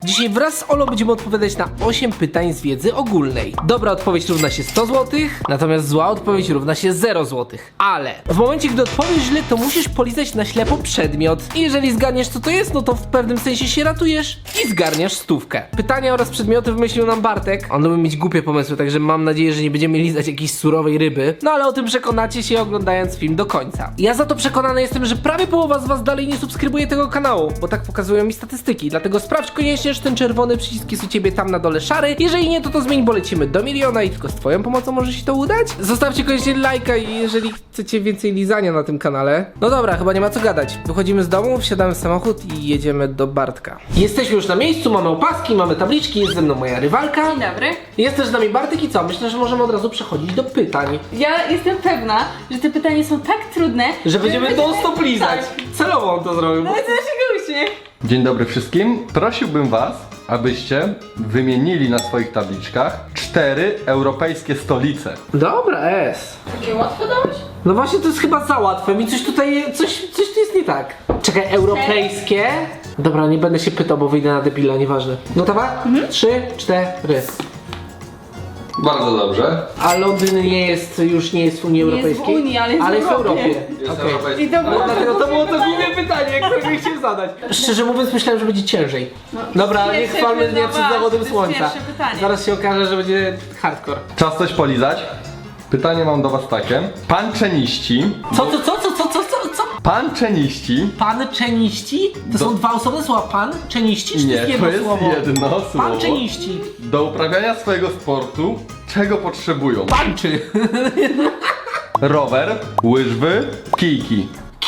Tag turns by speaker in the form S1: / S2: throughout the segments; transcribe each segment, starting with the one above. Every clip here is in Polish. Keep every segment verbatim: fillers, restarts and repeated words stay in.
S1: Dzisiaj wraz z Olą będziemy odpowiadać na osiem pytań z wiedzy ogólnej. Dobra odpowiedź równa się sto złotych, natomiast zła odpowiedź równa się zero złotych. Ale w momencie, gdy odpowiesz źle, to musisz polizać na ślepo przedmiot. I jeżeli zgadniesz, co to jest, no to w pewnym sensie się ratujesz i zgarniasz stówkę. Pytania oraz przedmioty wymyślił nam Bartek. On lubi mieć głupie pomysły, także mam nadzieję, że nie będziemy lizać jakiejś surowej ryby. No ale o tym przekonacie się oglądając film do końca. Ja za to przekonany jestem, że prawie połowa z was dalej nie subskrybuje tego kanału, bo tak pokazują mi statystyki. Dlatego sprawdź koniecznie, czy ten czerwony przycisk jest u ciebie tam na dole szary. Jeżeli nie, to to zmień, bo lecimy do miliona i tylko z twoją pomocą może się to udać. Zostawcie koniecznie lajka i jeżeli chcecie więcej lizania na tym kanale. No dobra, chyba nie ma co gadać. Wychodzimy z domu, wsiadamy w samochód i jedziemy do Bartka. Jesteśmy już na miejscu, mamy opaski, mamy tabliczki, jest ze mną moja rywalka.
S2: Dzień dobry.
S1: Jest też z nami Bartek i co? Myślę, że możemy od razu przechodzić do pytań.
S2: Ja jestem pewna, że te pytania są tak trudne,
S1: Że będziemy non-stop lizać.
S2: Tak.
S1: Celowo on to zrobił.
S2: No i to naszego uśmiech.
S3: Dzień dobry wszystkim. Prosiłbym was, abyście wymienili na swoich tabliczkach cztery europejskie stolice.
S1: Dobra, S.
S2: Takie łatwo dałeś?
S1: No właśnie to jest chyba za łatwe. Mi coś tutaj, coś, coś tu jest nie tak. Czekaj, europejskie? Dobra, nie będę się pytał, bo wyjdę na debila, nieważne. Gotowa? Mhm. Trzy, cztery.
S3: Bardzo dobrze.
S1: A Londyn nie jest, już nie jest w Unii
S2: Nie jest w
S1: Europejskiej?
S2: Unii, ale jest w
S1: w
S2: Europie.
S1: Europie.
S3: Jest
S1: Okej.
S3: europejski.
S2: I to było
S1: Dlatego to było to główne pytanie, które chciałem zadać. Szczerze mówiąc, myślałem, że będzie ciężej. Dobra, ale nie
S2: pierwsze
S1: chwalmy dnia
S2: pytanie,
S1: przed
S2: to
S1: zawodem
S2: jest
S1: słońca.
S2: pierwsze pytanie.
S1: Zaraz się okaże, że będzie hardcore.
S3: Czas coś polizać. Pytanie mam do was takie. Panczeniści.
S1: Co, co, co, co, co, co, co, co?
S3: Panczeniści.
S1: Pan czeniści? To
S3: Do-
S1: są dwa osobne słowa. Pan czeniści? Czy to
S3: Nie,
S1: jest
S3: to
S1: jedno
S3: jest
S1: słowo?
S3: jedno słowo.
S1: Pan czeniści.
S3: Do uprawiania swojego sportu czego potrzebują?
S1: Panczy.
S3: Rower, łyżwy, kijki.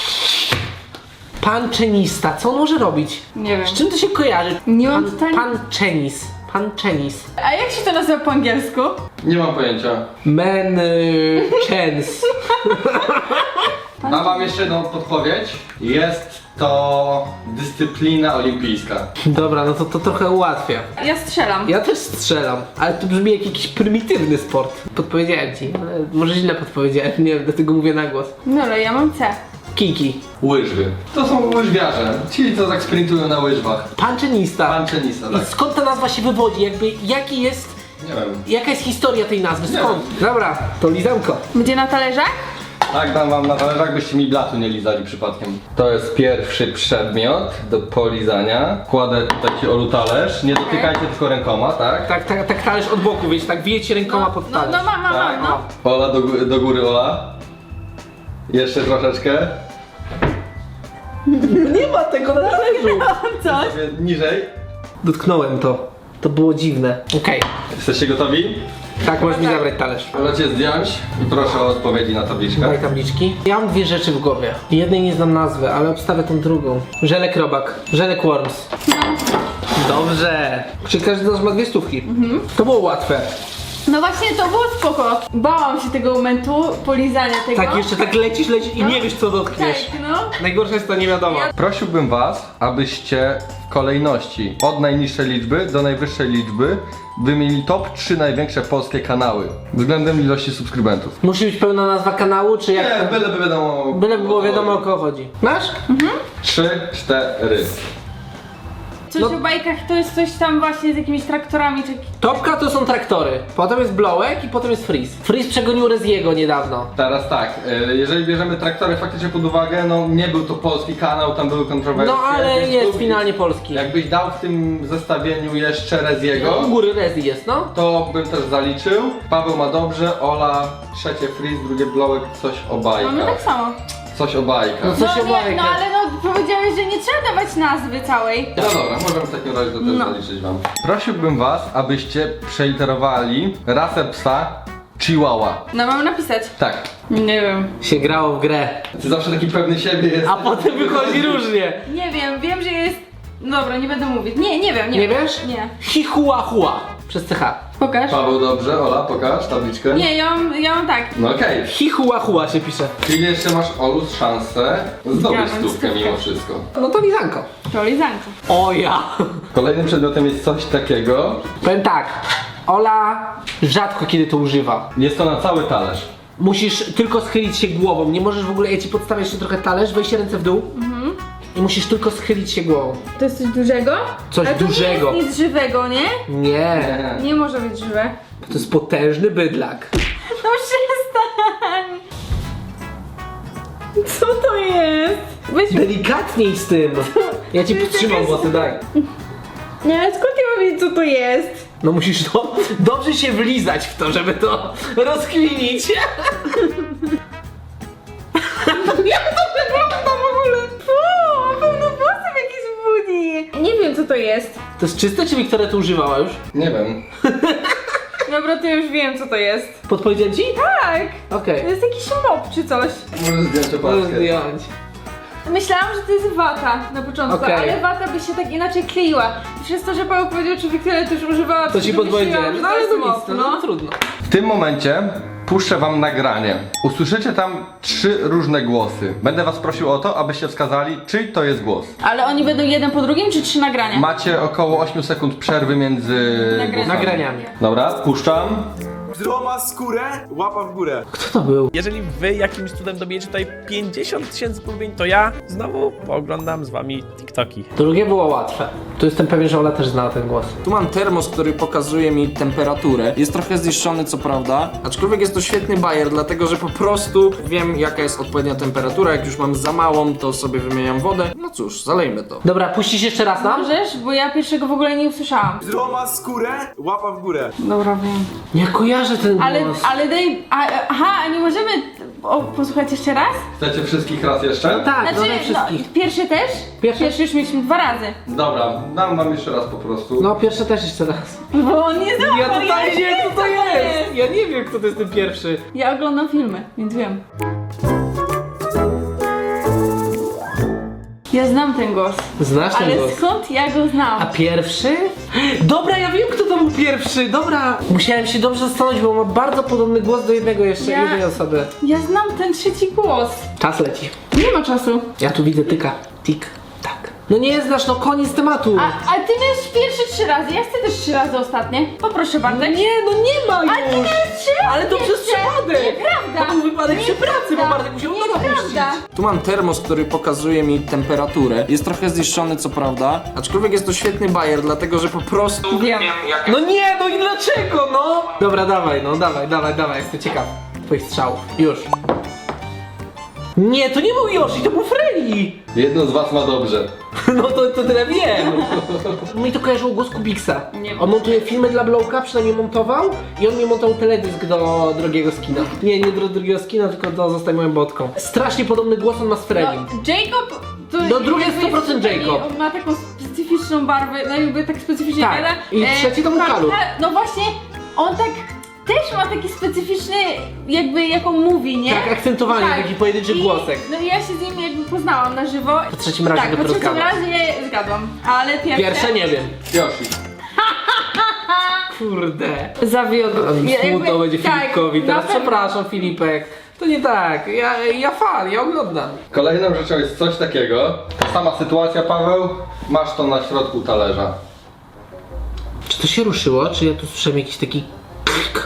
S1: Pan czenista. Co on może robić?
S2: Nie wiem.
S1: Z czym to się kojarzy?
S2: Nie mam
S1: pan,
S2: pytań.
S1: pan czenis. Pan czenis.
S2: A jak się to nazywa po angielsku?
S3: Nie mam pojęcia.
S1: Men y, chens.
S3: Dam wam jeszcze jedną podpowiedź. Jest to dyscyplina olimpijska.
S1: Dobra, no to to trochę ułatwia.
S2: Ja strzelam.
S1: Ja też strzelam, ale to brzmi jak jakiś prymitywny sport. Podpowiedziałem ci, ale może źle podpowiedziałem, nie wiem, dlatego mówię na głos.
S2: No ale ja mam C.
S1: Kiki.
S3: Łyżwy. To są łyżwiarze. Ci, co tak sprintują na łyżwach.
S1: Pan czynista.
S3: Panczynista,
S1: I
S3: tak.
S1: skąd ta nazwa się wywodzi? Jakby, jaki jest,
S3: Nie wiem.
S1: jaka jest historia tej nazwy?
S3: Nie
S1: Skąd? Dobra, to lizanko.
S2: Będzie na talerzach?
S3: Tak, dam wam na talerzach, byście mi blatu nie lizali przypadkiem. To jest pierwszy przedmiot do polizania. Kładę tutaj ci Olu talerz. Nie dotykajcie tylko rękoma, tak?
S1: Tak, tak, tak talerz od boku, wiecie, tak wiecie rękoma pod
S2: No,
S1: talerz.
S2: no mam, mam,
S3: Tak.
S2: mam, no.
S3: Ola do, gó- do góry, Ola. Jeszcze troszeczkę.
S1: Nie ma tego na talerzu.
S2: Co?
S3: Sobie niżej.
S1: Dotknąłem to. To było dziwne. Okej.
S3: Jesteście gotowi?
S1: Tak, możesz mi zabrać talerz.
S3: Możecie zdjąć i proszę o odpowiedzi na tabliczkę.
S1: Daj tabliczki. Ja mam dwie rzeczy w głowie. Jednej nie znam nazwy, ale obstawię tą drugą. Żelek robak. Żelek worms. Dobrze. Czyli każdy z nas ma dwie stówki. To było łatwe.
S2: No właśnie to było spoko. Bałam się tego momentu, polizania tego.
S1: Tak, jeszcze tak lecisz, lecisz i
S2: No.
S1: nie wiesz co dotkniesz.
S2: Tak, no.
S1: Najgorsze jest to nie wiadomo.
S2: Ja-
S3: Prosiłbym was, abyście w kolejności od najniższej liczby do najwyższej liczby wymienili top trzy największe polskie kanały względem ilości subskrybentów.
S1: Musi być pełna nazwa kanału, czy jak?
S3: Nie, byleby wiadomo.
S1: Byleby było wiadomo o kogo chodzi. Masz?
S3: Trzy, cztery.
S2: Coś
S1: No.
S2: o bajkach to jest coś tam właśnie z jakimiś traktorami czy...
S1: Topka to są traktory, potem jest Blowek i potem jest Freeze. Freeze przegonił Reziego niedawno.
S3: Teraz tak, y, jeżeli bierzemy traktory faktycznie pod uwagę, no nie był to polski kanał, tam były kontrowersje.
S1: No ale
S3: więc
S1: jest
S3: tu-
S1: finalnie polski.
S3: Jakbyś dał w tym zestawieniu jeszcze Reziego,
S1: U góry Rezi jest, no.
S3: to bym też zaliczył. Paweł ma dobrze, Ola trzecie Freeze, drugie Blowek, coś o bajkach.
S2: Mamy tak samo.
S3: Coś o bajkach.
S1: No co
S2: No
S1: się
S2: nie,
S1: bajka?
S2: no ale no powiedziałeś, że nie trzeba dawać nazwy całej.
S3: No dobra, możemy w takim razie to też
S2: No.
S3: zaliczyć wam. Prosiłbym was, abyście przeliterowali rasę psa Chihuahua.
S2: No mam napisać.
S3: Tak.
S2: Nie wiem.
S1: Się grało w grę.
S3: Ty zawsze taki pewny siebie jest.
S1: A potem wychodzi różnie.
S2: Nie wiem, wiem, że jest... Dobra, nie będę mówić. Nie, nie wiem, nie
S1: Nie
S2: wiem.
S1: wiesz?
S2: Nie.
S1: Hihuahua. Przez C H.
S2: Pokaż.
S3: Paweł dobrze, Ola pokaż tabliczkę.
S2: Nie, ja mam, ja mam tak.
S3: No okej.
S1: Hihuahua się pisze.
S3: Czyli jeszcze masz Olu szansę zdobyć
S2: Ja mam
S3: stówkę
S2: stówkę.
S3: mimo wszystko.
S1: No to lizanko.
S2: To lizanko.
S1: O ja.
S3: Kolejnym przedmiotem jest coś takiego.
S1: Powiem tak. Ola rzadko kiedy to używa.
S3: Jest to na cały talerz.
S1: Musisz tylko schylić się głową. Nie możesz w ogóle, ja ci podstawię jeszcze trochę talerz, weź ręce w dół. I i musisz tylko schylić się głową.
S2: To jest coś dużego?
S1: Coś
S2: Ale to
S1: dużego.
S2: nie jest nic żywego, nie?
S1: Nie,
S2: Nie może być żywe.
S1: to jest potężny bydlak.
S2: No przestań! Co to jest? Weź...
S1: Delikatniej z tym. Ja ci
S2: To jest
S1: podtrzymam
S2: jakaś-
S1: włosy, daj.
S2: Nie, ale skąd ja mam wiedzieć, co to jest?
S1: No musisz to dobrze się wlizać w to, żeby to rozkminić. Jak to wygląda w ogóle?
S2: Fu, pełno włosów jakiś budzi. Nie wiem, co to jest.
S1: To jest czyste, czy Wiktoria to używała już?
S3: Nie wiem.
S2: Dobra, to już wiem, co to jest.
S1: Podpowiedziałem ci?
S2: Tak!
S1: Okej.
S2: To jest jakiś mop czy coś.
S3: Możesz zdjąć
S1: Możesz
S3: opaskę.
S1: zdjąć.
S2: Myślałam, że to jest wata na początku,
S1: Okej.
S2: ale wata by się tak inaczej kleiła. I przez to, że Paweł powiedział, czy Wiktoria też używała,
S1: To ci
S2: myślałam,
S1: podpowiedziałem.
S2: że
S1: No
S2: to
S1: ale
S2: jest
S1: to nic,
S2: mop,
S1: no, no trudno.
S3: W tym momencie puszczę wam nagranie. Usłyszycie tam trzy różne głosy. Będę was prosił o to, abyście wskazali, czyj to jest głos.
S2: Ale oni będą jeden po drugim, czy trzy nagrania?
S3: Macie około ośmiu sekund przerwy między
S2: Nagrania.
S3: głosami.
S1: Nagraniami.
S3: Dobra, puszczam.
S4: Zdroma skórę, łapa w górę.
S1: Kto to był?
S5: Jeżeli wy jakimś cudem dobijecie tutaj pięćdziesiąt tysięcy polubień, to ja znowu pooglądam z wami TikToki.
S1: Drugie było łatwe. Tu jestem pewien, że Ola też znała ten głos.
S6: Tu mam termos, który pokazuje mi temperaturę. Jest trochę zniszczony, co prawda, aczkolwiek jest to świetny bajer, dlatego że po prostu wiem, jaka jest odpowiednia temperatura. Jak już mam za małą, to sobie wymieniam wodę. No cóż, zalejmy to.
S1: Dobra, puścisz jeszcze raz nam?
S2: Możesz? Bo ja pierwszego w ogóle nie usłyszałam.
S4: Zdroma skórę, łapa w górę.
S2: Dobra, wiem.
S1: Nie kojarzę ten głos.
S2: Ale, ale daj... A, aha, a nie możemy o, posłuchać jeszcze raz?
S3: Chcecie wszystkich raz jeszcze?
S1: Tak, no
S2: Znaczy,
S1: nie wszystkich.
S2: no, pierwszy też?
S1: Pierwszy?
S2: Pierwszy już mieliśmy dwa razy.
S3: Dobra, dam wam jeszcze raz po prostu.
S1: No pierwsze też jeszcze raz.
S2: Bo on nie znał.
S1: Ja totalnie nie wiem, kto to jest.
S2: jest.
S1: Ja nie wiem, kto to jest ten pierwszy.
S2: Ja oglądam filmy, więc wiem. Ja znam ten głos.
S1: Znasz ten
S2: Ale
S1: głos?
S2: skąd ja go znam?
S1: A pierwszy? Dobra, ja wiem, kto to był pierwszy. Dobra. Musiałem się dobrze zastanowić, bo ma bardzo podobny głos do jednego jeszcze,
S2: Ja-
S1: jednej osoby.
S2: Ja znam ten trzeci głos.
S1: Czas leci.
S2: Nie ma czasu.
S1: Ja tu widzę tyka. Tik, tak. No nie znasz, no koniec tematu.
S2: A, a ty miałeś pierwszy trzy razy, ja chcę też trzy razy ostatnie. Poproszę Bartek.
S1: Nie, no nie ma już.
S2: Ale ty miałeś trzy razy
S1: Ale to przez
S2: jeszcze.
S1: przypadek.
S2: Nieprawda.
S1: To był wypadek przy pracy, bo
S2: Nieprawda.
S1: Bartek musiał noga puścić.
S2: Nieprawda.
S6: Tu mam termos, który pokazuje mi temperaturę. Jest trochę zniszczony, co prawda, aczkolwiek jest to świetny bajer, dlatego że po prostu
S2: Wiem.
S1: No nie, no i dlaczego, no? Dobra, dawaj, no dawaj, dawaj, dawaj, jestem ciekaw twoich strzałów. Już. Nie, to nie był Yoshi, to był Freddy.
S3: Jedno z was ma dobrze.
S1: No to, to tyle wiem. Mi to kojarzyło głos Kubiksa.
S2: Nie.
S1: On montuje filmy dla Blowka, przynajmniej montował i on mi montował teledysk do drogiego skina. Nie, nie do drugiego skina, tylko do Zostań moją botką. Strasznie podobny głos on ma z Freddym.
S2: No, Jacob to
S1: No, drugi jest
S2: jakby
S1: sto procent
S2: taki-
S1: Jacob.
S2: On ma taką specyficzną barwę, no jakby tak specyficznie
S1: Tak.
S2: gada.
S1: I trzeci to był
S2: Karta-
S1: Kalu.
S2: No właśnie, on tak też ma taki specyficzny, jakby jak on mówi, nie?
S1: Tak, akcentowanie, taki pojedynczy
S2: I-
S1: głosek.
S2: No i ja się z nim jakby poznałam na żywo.
S1: Po trzecim razie
S2: tak, po
S1: dopiero
S2: trzecim
S1: zgadłaś.
S2: razie zgadłam, ale pierwsze...
S1: Pierwsze nie wiem.
S3: Yoshi.
S1: Kurde.
S2: Zawiódł. Ja jakby-
S1: Smutno będzie
S2: tak,
S1: Filipkowi.
S2: na
S1: Teraz
S2: pewno.
S1: przepraszam, Filipek. To nie tak. Ja, ja fan, ja oglądam.
S3: Kolejną rzeczą jest coś takiego. Ta sama sytuacja, Paweł. Masz to na środku talerza.
S1: Czy to się ruszyło? Czy ja tu słyszałem jakiś taki klik?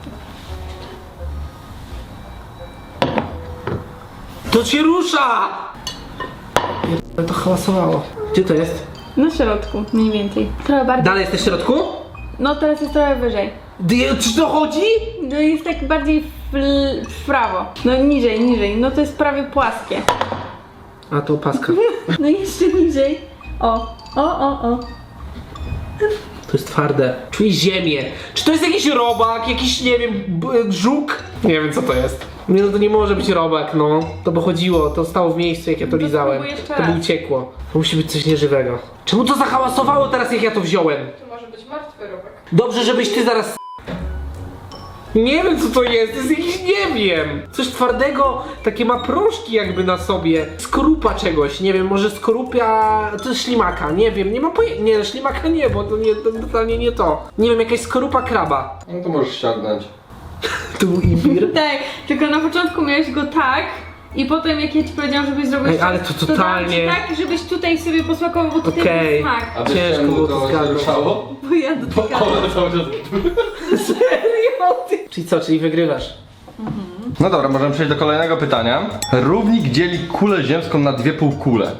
S1: To się rusza! Ja to hałasowało. Gdzie to jest?
S2: Na środku, mniej więcej. Trochę bardziej.
S1: Dalej jest w środku?
S2: No teraz jest trochę wyżej.
S1: Dy- Czy to chodzi?
S2: No jest tak bardziej w, l- w prawo. No niżej, niżej. No to jest prawie płaskie.
S1: A to opaska.
S2: No jeszcze niżej. O, o, o, o.
S1: To jest twarde. Czuję ziemię. Czy to jest jakiś robak, jakiś, nie wiem, b- żuk? Nie wiem co to jest. Nie, no to nie może być robak, no. To by chodziło, to stało w miejscu jak ja to
S2: No to
S1: lizałem.
S2: spróbuj jeszcze
S1: To by
S2: raz.
S1: uciekło. To musi być coś nieżywego. Czemu to zahałasowało teraz jak ja to wziąłem?
S2: To może być martwy robak.
S1: Dobrze, żebyś ty zaraz... Nie wiem co to jest, to jest jakiś, nie wiem. Coś twardego, takie ma proszki jakby na sobie. Skorupa czegoś, nie wiem, może skorupia... To jest ślimaka, nie wiem, nie mam pojęcia. Nie, ślimaka nie, bo to nie, to totalnie nie to. Nie wiem, jakaś skorupa kraba.
S3: No to możesz ściągnąć.
S1: To był imbir.
S2: Tak, tylko na początku miałeś go tak i potem jak ja ci powiedziałam, żebyś zrobił
S1: Ej, ale to
S2: dałam
S1: totalnie-
S2: ci tak, żebyś tutaj sobie posmakował, bo tutaj
S1: Okej.
S2: był smak.
S3: A wiesz
S1: Ciężko
S3: czemu
S1: było to
S3: to się
S1: zgadnąć.
S3: ruszało?
S2: Bo ja
S3: Bo
S2: dotykałam.
S3: one cały czas...
S1: Serio? Ty? Czyli co, czyli wygrywasz?
S3: No dobra, możemy przejść do kolejnego pytania. Równik dzieli kulę ziemską na dwie półkule.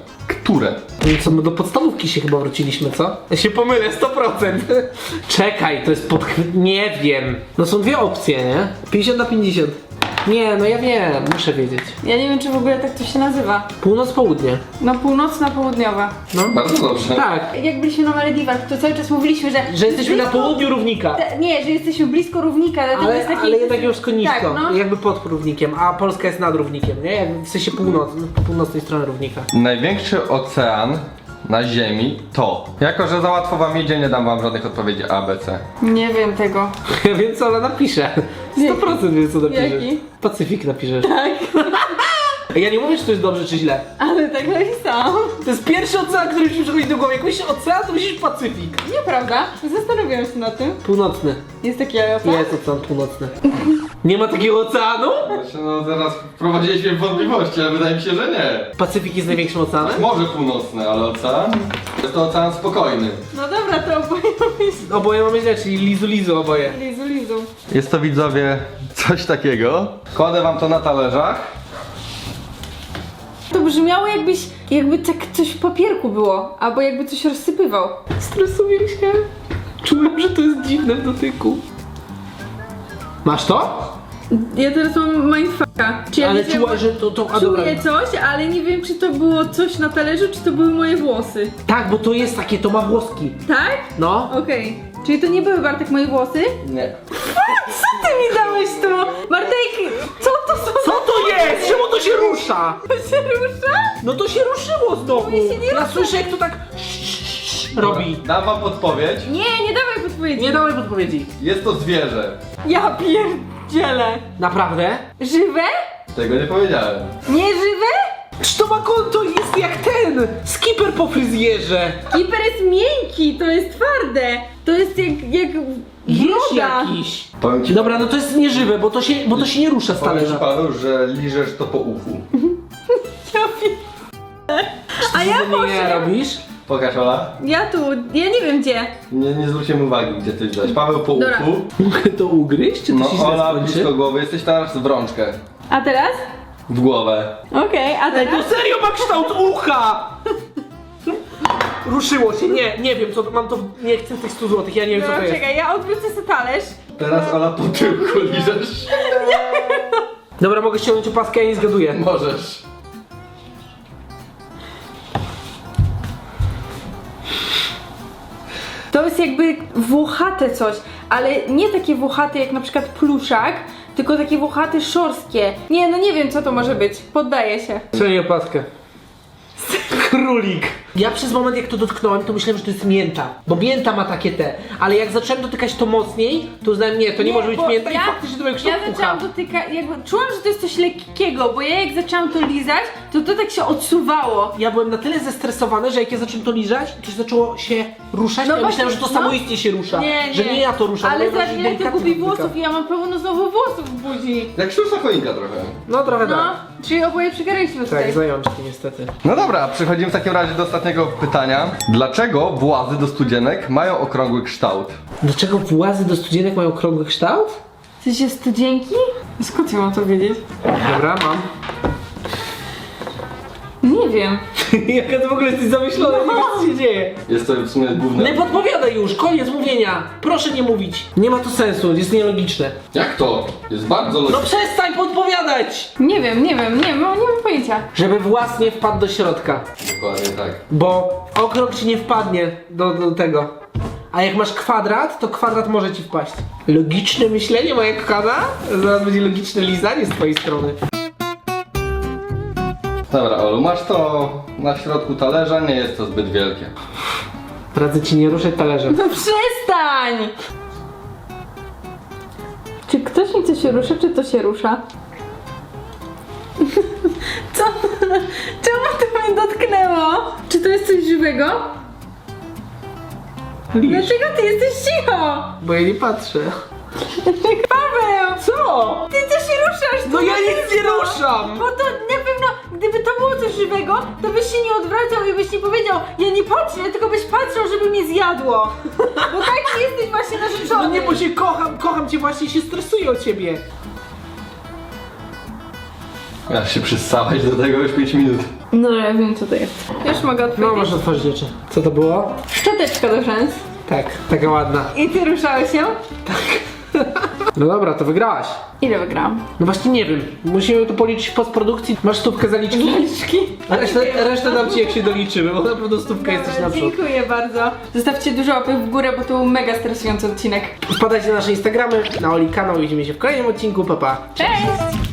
S3: Które?
S1: No co, my do podstawówki się chyba wróciliśmy, co? Ja się pomylę, sto procent. Czekaj, to jest pod... Nie wiem. No są dwie opcje, nie? pięćdziesiąt na pięćdziesiąt. Nie, no ja wiem, muszę wiedzieć.
S2: Ja nie wiem, czy w ogóle tak to się nazywa.
S1: Północ-południe.
S2: No północna, południowa.
S1: No.
S3: Bardzo dobrze.
S1: Tak.
S2: Jak byliśmy na Malediwach, to cały czas mówiliśmy, że...
S1: Że jesteśmy na
S2: blisko-
S1: południu równika.
S2: Te- Nie, że jesteśmy blisko równika, dlatego
S1: Ale,
S2: jest taki...
S1: ale jednak już nisko,
S2: Tak, no.
S1: jakby pod równikiem, a Polska jest nad równikiem, nie? Jak w sensie północ, po północnej stronie równika.
S3: Największy ocean na Ziemi to... Jako, że za łatwo wam idzie, nie dam wam żadnych odpowiedzi A, B, C.
S2: Nie wiem tego.
S1: Ja wiem co ona napisze. sto procent wiem co napisze.
S2: Jaki?
S1: Pacyfik napiszesz. Tak. Ja nie mówię, czy to jest dobrze, czy źle.
S2: Ale tak napisałam.
S1: To jest pierwszy ocean, który mi przychodzi do głowy. Jak myślisz ocean, to myślisz Pacyfik.
S2: Nieprawda? Zastanawiałam się nad tym.
S1: Północny.
S2: Jest taki ocean?
S1: Jest ocean północny. Nie ma takiego oceanu?
S3: Znaczy, no zaraz wprowadziliśmy wątpliwości, ale wydaje mi się, że nie.
S1: Pacyfik jest największym oceanem?
S3: Morze północne, ale ocean? Jest to ocean spokojny.
S2: No dobra, to oboje myślę.
S1: Oboje mamy źle, czyli lizu lizu oboje.
S2: Lizu, lizu.
S3: Jest to, widzowie, coś takiego. Kładę wam to na talerzach.
S2: To brzmiało jakbyś, jakby tak coś w papierku było, albo jakby coś rozsypywał.
S1: Stresuje się. Czułem, że to jest dziwne w dotyku. Masz to?
S2: Ja teraz mam mindfucka. Czy ja
S1: Ale
S2: nie wiem,
S1: czuła, że to... to a dobra.
S2: Czuję coś, ale nie wiem, czy to było coś na talerzu, czy to były moje włosy.
S1: Tak, bo to jest takie, to ma włoski.
S2: Tak?
S1: No.
S2: Okej. Czyli to nie były, Bartek, moje włosy?
S3: Nie.
S2: Co ty mi dałeś tu? Bartek, co to są?
S1: Co to jest? Czemu to się rusza?
S2: To się rusza?
S1: No to się ruszyło znowu.
S2: Mi się nie
S1: Ja
S2: rusza.
S1: słyszę, jak to tak robi.
S3: Dam wam podpowiedź.
S2: Nie, nie dawaj podpowiedzi.
S1: Nie dałem podpowiedzi.
S3: Jest to zwierzę.
S2: Ja pierdzielę.
S1: Naprawdę?
S2: Żywe?
S3: Tego nie powiedziałem.
S2: Nieżywe?
S1: Czy to ma konto jest jak ten? Skipper po fryzjerze.
S2: Kiper jest miękki, to jest twarde. To jest jak, jak
S1: Jeż
S2: broda.
S1: jakiś.
S3: Powiem ci,
S1: Dobra, no to jest nieżywe, bo to się, bo to się nie rusza z
S3: powiem ci,
S1: talerza.
S3: Paweł, że liżesz to po uchu.
S2: Ja pier... A ja
S1: Ty nie
S2: poszedłem.
S1: robisz?
S3: Pokaż, Ola.
S2: Ja tu, ja nie wiem gdzie.
S3: Nie, nie zwróciłem uwagi, gdzie ty wziąłeś. Paweł po
S2: Dobra.
S3: uchu.
S1: Mogę to ugryźć, czy to
S3: No
S1: się źle
S3: Ola
S1: skończy?
S3: blisko głowy. Jesteś teraz w rączkę.
S2: A teraz?
S3: W głowę.
S2: Okej, a
S1: Ej, to
S2: teraz?
S1: serio ma kształt ucha! Ruszyło się, nie, nie wiem co, mam to, nie chcę tych stu złotych, ja nie wiem co to
S2: Dobra,
S1: jest.
S2: czekaj, ja odwrócę sobie talerz.
S3: Teraz Ola po tyłku liżesz.
S1: Dobra, mogę ściągnąć opaskę, ja nie zgaduję.
S3: Możesz.
S2: To jest jakby włochate coś, ale nie takie włochate jak na przykład pluszak, tylko takie włochate szorstkie. Nie, no nie wiem co to może być, poddaję się.
S1: Ściągnij opaskę. Królik. Ja przez moment jak to dotknąłem, to myślałem, że to jest mięta. Bo mięta ma takie te. Ale jak zacząłem dotykać to mocniej, to uznałem, nie, to nie, może być
S2: bo
S1: mięta
S2: ja,
S1: i faktycznie to był
S2: Ja
S1: kształt ucha.
S2: zaczęłam dotykać, jakby czułam, że to jest coś lekkiego, bo ja jak zaczęłam to lizać, to to tak się odsuwało.
S1: Ja byłem na tyle zestresowany, że jak ja zacząłem to lizać, to się zaczęło się ruszać,
S2: No
S1: to ja myślałem, że
S2: właśnie,
S1: to
S2: no.
S1: samoistnie się rusza.
S2: Nie, nie.
S1: Że nie ja to ruszam.
S2: Ale
S1: bo ja
S2: za
S1: się
S2: ile to
S1: delikatnie
S2: gubi
S1: dotyka.
S2: włosów i ja mam pełno znowu włosów w buzi.
S3: Jak sztuczna choinka trochę.
S1: No trochę
S2: No,
S1: tak.
S2: czyli oboje przegraliśmy tutaj.
S1: Tak, zajączki niestety.
S3: No dobra, przechodzimy w takim razie do ostatniego pytania. Dlaczego włazy do studzienek mają okrągły kształt?
S1: Dlaczego włazy do studzienek mają okrągły kształt?
S2: W sensie studzienki? Skąd ja mam to wiedzieć?
S1: Dobra, mam.
S2: Nie wiem.
S1: Jaka to w ogóle jesteś zamyślona, nie wiesz co się dzieje.
S3: Jest to w sumie główne...
S1: Nie podpowiadaj już, koniec mówienia. Proszę nie mówić. Nie ma to sensu, jest nielogiczne.
S3: Jak to? Jest bardzo
S1: No
S3: logiczne.
S1: przestań podpowiadać!
S2: Nie wiem, nie wiem, nie, mam, nie mam pojęcia.
S1: Żeby włas nie wpadł do środka.
S3: Dokładnie tak.
S1: Bo okrąg ci nie wpadnie do, do tego. A jak masz kwadrat, to kwadrat może ci wpaść. Logiczne myślenie, moja kochana? Zaraz będzie logiczne lizanie z twojej strony.
S3: Dobra, Olu, masz to na środku talerza, nie jest to zbyt wielkie.
S1: Radzę ci nie ruszać talerzem.
S2: No przestań! Czy ktoś mi coś się rusza, czy to się rusza? Co? Czemu to mnie dotknęło? Czy to jest coś żywego?
S1: Liż,
S2: Dlaczego ty jesteś cicho?
S1: bo ja nie patrzę.
S2: Paweł!
S1: Co?
S2: Ty coś ruszasz!
S1: No
S2: tu
S1: ja
S2: na
S1: nic nie
S2: pewno.
S1: ruszam!
S2: Bo to na pewno, gdyby to było coś żywego, to byś się nie odwracał i byś nie powiedział, ja nie patrzę, tylko byś patrzył, żeby mnie zjadło. Bo taki jesteś właśnie narzeczony.
S1: No nie, bo cię kocham, kocham cię właśnie i się stresuję o ciebie.
S3: Ja się przysałeś do tego już pięć minut.
S2: No ja wiem co to jest. Już mogę
S1: No
S2: odpowiedzieć.
S1: możesz otworzyć rzeczy. Co to było?
S2: Szczoteczka do rzęs.
S1: Tak, taka ładna.
S2: I ty ruszałeś ją?
S1: No dobra, to wygrałaś.
S2: Ile wygrałam?
S1: No właśnie nie wiem. Musimy to policzyć w postprodukcji. Masz stówkę zaliczki?
S2: Zaliczki.
S1: A resztę, resztę dam ci jak się doliczymy, bo na pewno stówka jesteś na przód.
S2: Dziękuję bardzo. Zostawcie dużo łapek w górę, bo to był mega stresujący odcinek.
S1: Wpadajcie na nasze Instagramy, na Oli kanał. Widzimy się w kolejnym odcinku. Pa, pa.
S2: Cześć!